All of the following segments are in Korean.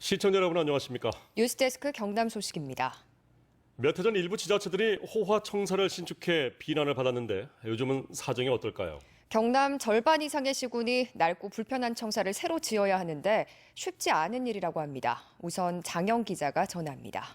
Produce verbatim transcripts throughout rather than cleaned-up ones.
시청자 여러분 안녕하십니까? 뉴스데스크 경남 소식입니다. 몇 해 전 일부 지자체들이 호화 청사를 신축해 비난을 받았는데 요즘은 사정이 어떨까요? 경남 절반 이상의 시군이 낡고 불편한 청사를 새로 지어야 하는데 쉽지 않은 일이라고 합니다. 우선 장영 기자가 전합니다.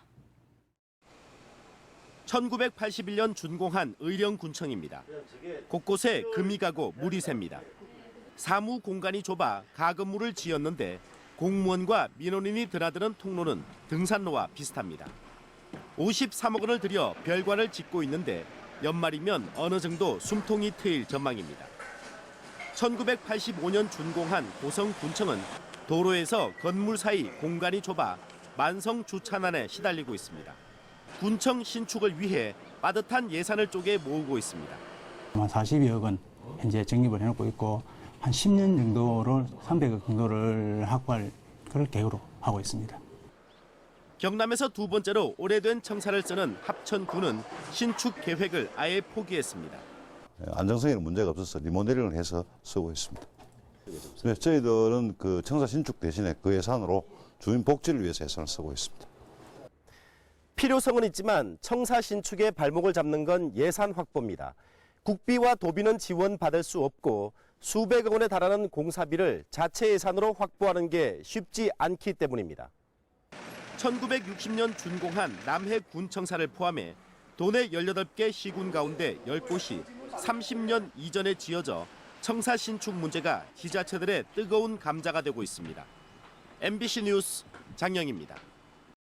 천구백팔십일 년 준공한 의령군청입니다. 곳곳에 금이 가고 물이 셉니다. 사무 공간이 좁아 가건물을 지었는데 공무원과 민원인이 드나드는 통로는 등산로와 비슷합니다. 오십삼억 원을 들여 별관을 짓고 있는데 연말이면 어느 정도 숨통이 트일 전망입니다. 천구백팔십오 년 준공한 고성군청은 도로에서 건물 사이 공간이 좁아 만성 주차난에 시달리고 있습니다. 군청 신축을 위해 빠듯한 예산을 쪼개 모으고 있습니다. 한 사십이억 원 현재 적립을 해놓고 있고 한 십 년 정도를 삼백억 정도를 확보할 그럴 계획으로 하고 있습니다. 경남에서 두 번째로 오래된 청사를 쓰는 합천군은 신축 계획을 아예 포기했습니다. 안정성에는 문제가 없어서 리모델링을 해서 쓰고 있습니다. 네, 저희들은 그 청사 신축 대신에 그 예산으로 주민 복지를 위해서 예산을 쓰고 있습니다. 필요성은 있지만 청사 신축에 발목을 잡는 건 예산 확보입니다. 국비와 도비는 지원받을 수 없고 수백억 원에 달하는 공사비를 자체 예산으로 확보하는 게 쉽지 않기 때문입니다. 천구백육십 년 준공한 남해 군청사를 포함해 도내 열여덟 개 시군 가운데 열 곳이 삼십 년 이전에 지어져 청사 신축 문제가 지자체들의 뜨거운 감자가 되고 있습니다. 엠비씨 뉴스 장영입니다.